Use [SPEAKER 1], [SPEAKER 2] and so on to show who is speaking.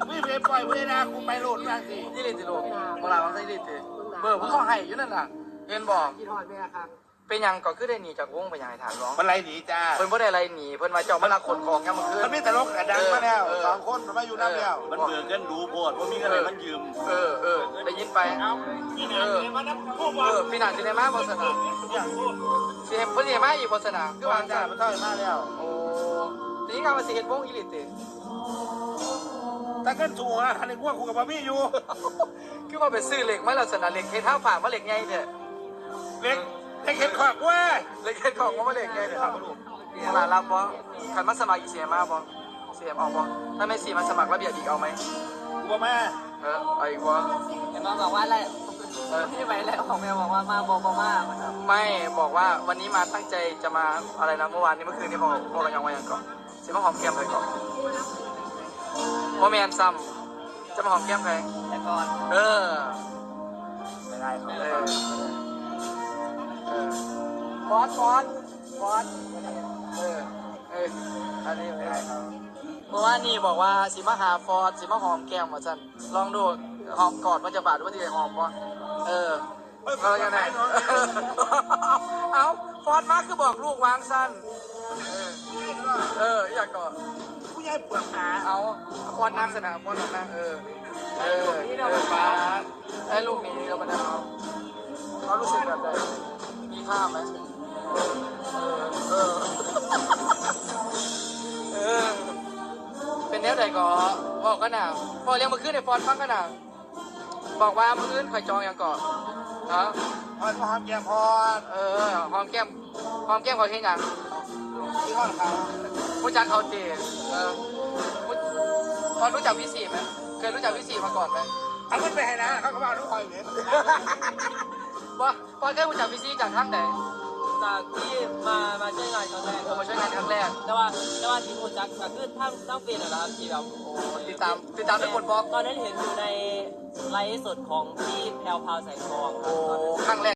[SPEAKER 1] ไม่ไปปล่อยเวลากูไปโหลดบ้างสิ
[SPEAKER 2] ยี่ลิตรลูกเวลาของยี่ลิตรเบอร์ผมต้องให้อยู่นั่นน่ะเห็นบอก
[SPEAKER 3] กี่ทอดแม่ครับ
[SPEAKER 2] เป็นยังก็คือได้หนีจากวงไปยังไงถามร้อง
[SPEAKER 1] มันไรหนีจ้า
[SPEAKER 2] เพิ่นบ่ได้อะไรหนีเพิ่นมาเจ้ามาลักขนของยังมาคืน
[SPEAKER 1] มันมีแต่ลกกระดังมาแล้ว2 คนมันมาอยู่น้ำแล้ว
[SPEAKER 4] มันเบื่อกันดูโพดว่ามีอะไรมันยืม
[SPEAKER 2] ได้ยินไปพี่นาสิได้มาบนสนามเสียเพิ่นสิมาอีกบนสนามคือ
[SPEAKER 1] วาว
[SPEAKER 2] าง ง
[SPEAKER 1] จ้า
[SPEAKER 2] จ้า
[SPEAKER 1] มันเท่าไหร่มาแล้ว
[SPEAKER 2] โอ้ทีนี้การมาสิเฮ็ดวงอีหลิติ
[SPEAKER 1] แต่ก็ถูกนะคันนี้กูว่ากูกับบาร์บี้อยู่
[SPEAKER 2] คือว่าไปซื้อเหล็กมาแล้วสนามเหล็กเฮ็ดท้าฝากมาเหล็กไงเด้อ
[SPEAKER 1] เล็กให้เข็ดขวากเว้ย
[SPEAKER 2] เหล็กเฮ็ดของมาเหล็กไงเด้อครับลูกตลาดรับบ่คันมาสมัครอีเสียมาบ่เสียเอาบ่ถ้าไม่สิมาสมัครระเบียบอีกเอาไหม
[SPEAKER 1] กูว่ามา
[SPEAKER 2] เอาอีกบ่
[SPEAKER 3] เดี๋ยวมาบอกว่าอะไรพี่ไปแล้วของแม่บอกว่ามาบอกมาครับ
[SPEAKER 2] ไม่บอกว่าวันนี้มาตั้งใจจะมาอะไรนะเมื่อวานนี้เมื่อคืนนี้บอกกันยังไงยังก่อนสิมาหอมแก้มเลยก่อนว่าแมนซ้ำจะมาหอมแก้มใคร
[SPEAKER 3] แต่ก่อน
[SPEAKER 1] ไม่ได้เขา
[SPEAKER 2] ฟอสอันนี้ไม่ได้ครับเมื่อวานนี้บอกว่าสิมาหาฟอสสิมาหอมแก้มมาจันลองดูหอมกอดมันจะบาดว่าที่ไหนหอมปะเรายังไงเอาฟอสมาคือบอกลูกวางสั้นอยากกอด
[SPEAKER 1] กูยายปวดขา
[SPEAKER 2] เอาฟอสนั่งสนามฟอสนั่งฟ้าไอ้ลูกนี้เรามาดาวเขารู้สึกแบบไหนมีภาพไหมเป็นแนวใดก็บอกกันนะพอเรียกมาขึ้นในฟอนฟังกันนะบอกว่ามืออื่นคอยจองอย่างก่อนฮะ
[SPEAKER 1] พอดพอดแกพอด
[SPEAKER 2] หอมแก้มเขาเช่นอย่าง
[SPEAKER 1] ที่ห้องเขา
[SPEAKER 2] รู้จักเขาเจพอรู้จักพี่สี่ไหมเคยรู้จักพี่สี่มาก่อนไหม
[SPEAKER 1] เอาขึ้นไปให้นะเขาก็มาทุกคนเลย
[SPEAKER 2] พอเคยรู้จักพี่สี่จากข้างไหน
[SPEAKER 3] จากที่มาช่วยงานครั้งแรก
[SPEAKER 2] มาช่วยงานครั้งแรก
[SPEAKER 3] แต่ว่าที่พูดจักก็คือทั้งปีนะครับที่แบบ
[SPEAKER 2] ติดตามเป็นคนบล็อก
[SPEAKER 3] ตอนนั้นเห็นอยู่ในไลฟ์สดของพี่แพลวพาวแสงทอง
[SPEAKER 2] ครั้งแรก